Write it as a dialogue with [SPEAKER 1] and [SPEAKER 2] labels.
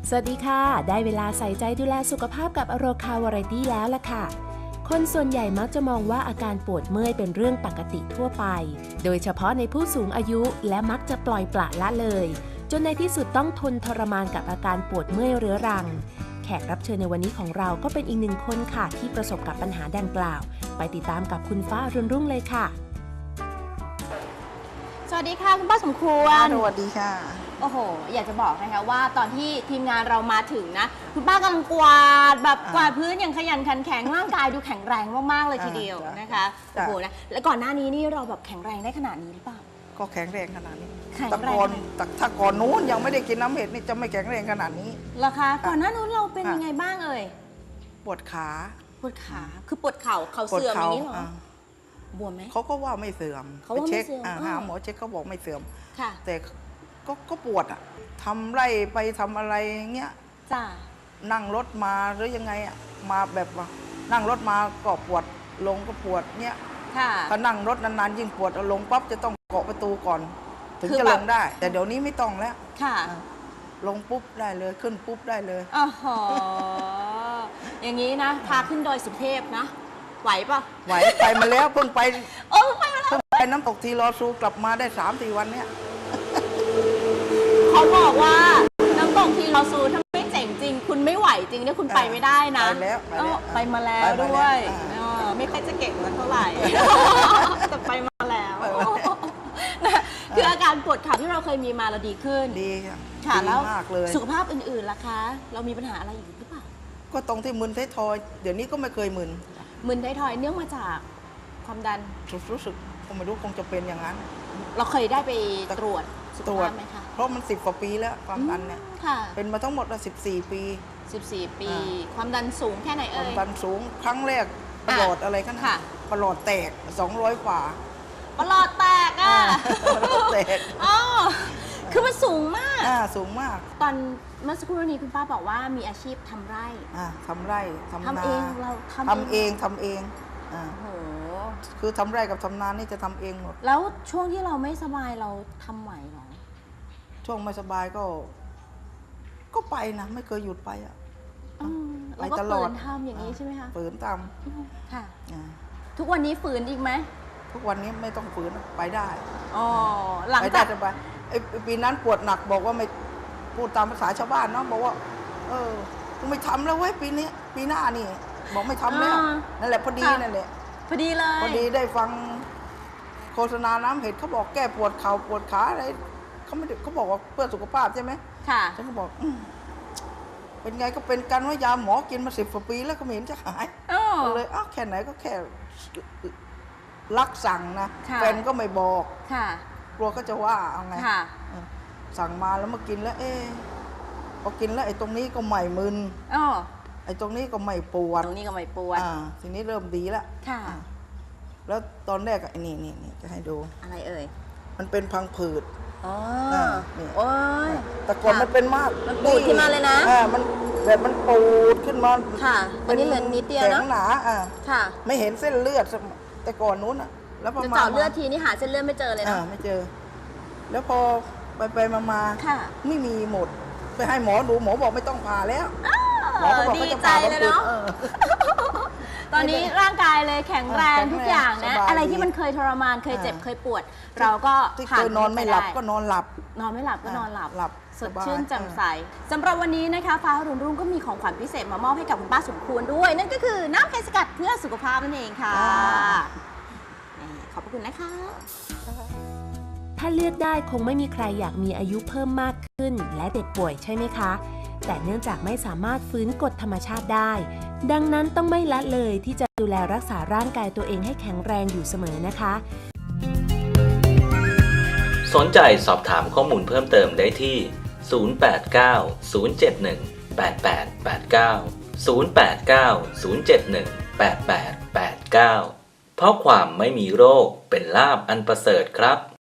[SPEAKER 1] สวัสดีค่ะได้เวลาใส่ใจดูแลสุขภาพกับอโรคาวาไรตี้แล้วล่ะค่ะคนส่วนใหญ่มักจะมองว่าอาการปวดเมื่อยเป็นเรื่องปกติทั่วไปโดยเฉพาะในผู้สูงอายุและมักจะปล่อยปละละเลยจนในที่สุดต้องทนทรมานกับอาการปวดเมื่อยเรื้อรังแขกรับเชิญในวันนี้ของเราก็เป็นอีกหนึ่งคนค่ะที่ประสบกับปัญหาดังกล่าวไปติดตามกับคุณฟ้าอรุณรุ่งเลยค่ะ
[SPEAKER 2] สวัสดีค่ะคุณป้าสมควร
[SPEAKER 3] สวัสดีค่ะ
[SPEAKER 2] โอ้โหอยากจะบอกนะคะว่าตอนที่ทีมงานเรามาถึงนะคุณป้ากำลังกวาดแบบกวาดพื้นอย่างขยันขันแข็งร่างกายดูแข็งแรงมากๆเลยทีเดียวนะคะโอ้โหนะแล้วก่อนหน้านี้นี่เราแบบแข็งแรงได้ขนาดนี้หรือเปล่า
[SPEAKER 3] ก็แข็งแรงขนาดนี้
[SPEAKER 2] แต่
[SPEAKER 3] ก่อนนู้นยังไม่ได้กินน้ำเห็ดนี่จะไม่แข็งแรงขนาดนี้
[SPEAKER 2] เหรอคะก่อนหน้านู้นเราเป็นยังไงบ้างเอ่ย
[SPEAKER 3] ปวดขา
[SPEAKER 2] คือปวดเข่าเสื่อมอย่างนี้เหรอบวมไหม
[SPEAKER 3] เขาก็ว่าไม่เสื่อม
[SPEAKER 2] เขาว่าไม่เสื่อม
[SPEAKER 3] หาหมอเช็คเขาบอกไม่เสื่อม
[SPEAKER 2] ค่ะ
[SPEAKER 3] แต่ก็ปวดอ่ะทำไร่ไปทำอะไรเงี้ย
[SPEAKER 2] จ้า
[SPEAKER 3] นั่งรถมาหรือยังไงอ่ะมาแบบว่านั่งรถมาก็ปวดลงก็ปวดเงี้ยถ้านั่งรถนานๆยิ่งปวดลงปั๊บจะต้องเกาะประตูก่อนถึงจะลงได้แต่เดี๋ยวนี้ไม่ต้องแล้ว
[SPEAKER 2] ค่ะ
[SPEAKER 3] ลงปุ๊บได้เลยขึ้นปุ๊บได้เลย
[SPEAKER 2] อ๋ออย่างนี้นะพาขึ้นดอยสุเทพนะไหวปะ
[SPEAKER 3] ไหวไปมาแล้วเพิ่งไปไปน้ำตกทีรอซูกลับมาได้ 3-4 วันเนี้ย
[SPEAKER 2] เขาบอกว่าน้ำตกทีรอซูถ้าไม่เจ๋งจริงคุณไม่ไหวจริงเนี่ยคุณไปไม่ได้นะ
[SPEAKER 3] ไปแล้ว
[SPEAKER 2] ไปมาแล้วด้วยไม่ค่อยจะเก่งเท่าไหร่แต่ไปมาแล้วคืออาการปวดขาที่เราเคยมีมาเราดีขึ้น
[SPEAKER 3] ดี
[SPEAKER 2] ค่ะแล้ว
[SPEAKER 3] มากเลย
[SPEAKER 2] สุขภาพอื่นๆล่ะคะเรามีปัญหาอะไรอีกหรือเปล่า
[SPEAKER 3] ก็ตรงที่มึนท้ายทอยเดี๋ยวนี้ก็ไม่เคย
[SPEAKER 2] มึนท้ายทอยเนื่องมาจากความดัน
[SPEAKER 3] รู้สึกคงไม่รู้คงจะเป็นอย่างนั้น
[SPEAKER 2] เราเคยได้ไปตรวจสุขภาพไหมคะ
[SPEAKER 3] เพราะมัน10 กว่าปีแล้วความดันเนี่ยเป็นมาทั้งหมด14 ปี
[SPEAKER 2] 14 ปีความดันสูงแค่ไหนเอ่ย
[SPEAKER 3] ความดันสูงครั้งแรกประหลอดอะไรกันค่ะประหลอดแตก200 กว่า
[SPEAKER 2] ประหลอดแตก
[SPEAKER 3] ประหลอดแตก
[SPEAKER 2] คือมันสูงมาก
[SPEAKER 3] สูงมาก
[SPEAKER 2] ตอนเมื่อสักครู่นี้คุณป้าบอกว่ามีอาชีพทำไร่
[SPEAKER 3] ทำไร่ทำนา
[SPEAKER 2] ทำเองเรา
[SPEAKER 3] ทำเองโอ้โหคือทำไร่กับทำนานี่จะทำเองหมด
[SPEAKER 2] แล้วช่วงที่เราไม่สบายเราทำไหวหรอ
[SPEAKER 3] ช่วงไม่สบายก็ไปนะไม่เคยหยุดไป
[SPEAKER 2] ไปตลอดทำอย่างนี้ใช่ไหมคะ
[SPEAKER 3] ฝืนท
[SPEAKER 2] ำค่ะทุกวันนี้ฝืนอีกไหม
[SPEAKER 3] ทุกวันนี้ไม่ต้องฝืนไปได้
[SPEAKER 2] หลังจาก
[SPEAKER 3] ไปปีนั้นปวดหนักบอกว่าไม่พูดตามภาษาชาวบ้านเนาะบอกว่ากูไม่ทำแล้วเว้ยปีหน้านี่บอกไม่ทำแล้วนั่นแหละพอดีนั่นแหละ
[SPEAKER 2] พอดีเลย
[SPEAKER 3] พอดีได้ฟังโฆษณาน้ำเห็ดเขาบอกแก้ปวดเข่าปวดขาอะไรเขาบอกว่าเพื่อสุขภาพใช่ไหม
[SPEAKER 2] ค่ะ
[SPEAKER 3] ฉันก็บอกเป็นไงก็เป็นกันว่ายาหมอกินมา10 กว่าปีแล้วก็ไม่เห็นจะหายก็เลยแค่ไหนก็แค่รักสั่งนะแฟนก็ไม่บอกกลัวก็จะว่าเอาไงสั่งมาแล้วมากินแล้วพอกินแล้วไอ้ตรงนี้ก็ไม่มึนไอ้ตรงนี้ก็ไม่ปวดทีนี้เริ่มดีแล้วแล้วตอนแรกไอ้นี่จะให้ดู
[SPEAKER 2] อะไรเอ่ย
[SPEAKER 3] มันเป็นพังผืด
[SPEAKER 2] นี่
[SPEAKER 3] แต่ก่อนมันเป็นมาก
[SPEAKER 2] มันปูดขึ้นมาเลยนะ
[SPEAKER 3] มันแบบมันปูดขึ้นมา
[SPEAKER 2] ค่ะอันนี้เหลือนิดเดียวนะ
[SPEAKER 3] แข็งหนาไม่เห็นเส้นเลือดแต่ก่อนนู้นแล้วพอมา
[SPEAKER 2] เจาะเลือดทีนี่หาเส้นเลือดไม่เจอเลยนะ
[SPEAKER 3] ไม่เจอแล้วพอไปมาไม่มีหมดไปให้หมอดูหมอบอกไม่ต้องผ่าแล้ว
[SPEAKER 2] หมอบอกดีใจเลยเนาะตอนนี้ร่างกายเลยแข็งแรงทุกอย่างนะอะไรที่มันเคยทรมานเคยเจ็บเคยปวดเราก็
[SPEAKER 3] ผ่านนอนไม่หลับก็นอนหลับ
[SPEAKER 2] นอนไม่หลับก็นอนหลับสดชื่นแจ่มใสสำหรับวันนี้นะคะฟ้ารุ่งรุ่งก็มีของขวัญพิเศษมามอบให้กับคุณป้าสมควรด้วยนั่นก็คือน้ำเพชรสกัดเพื่อสุขภาพนั่นเองค่ะขอบคุณนะคะ
[SPEAKER 1] ถ้าเลือกได้คงไม่มีใครอยากมีอายุเพิ่มมากขึ้นและเด็กป่วยใช่ไหมคะแต่เนื่องจากไม่สามารถฟื้นกฎธรรมชาติได้ดังนั้นต้องไม่ละเลยที่จะดูแลรักษาร่างกายตัวเองให้แข็งแรงอยู่เสมอนะคะ
[SPEAKER 4] สนใจสอบถามข้อมูลเพิ่มเติมได้ที่ 089-071-8889 089-071-8889 เพราะความไม่มีโรคเป็นลาภอันประเสริฐครับ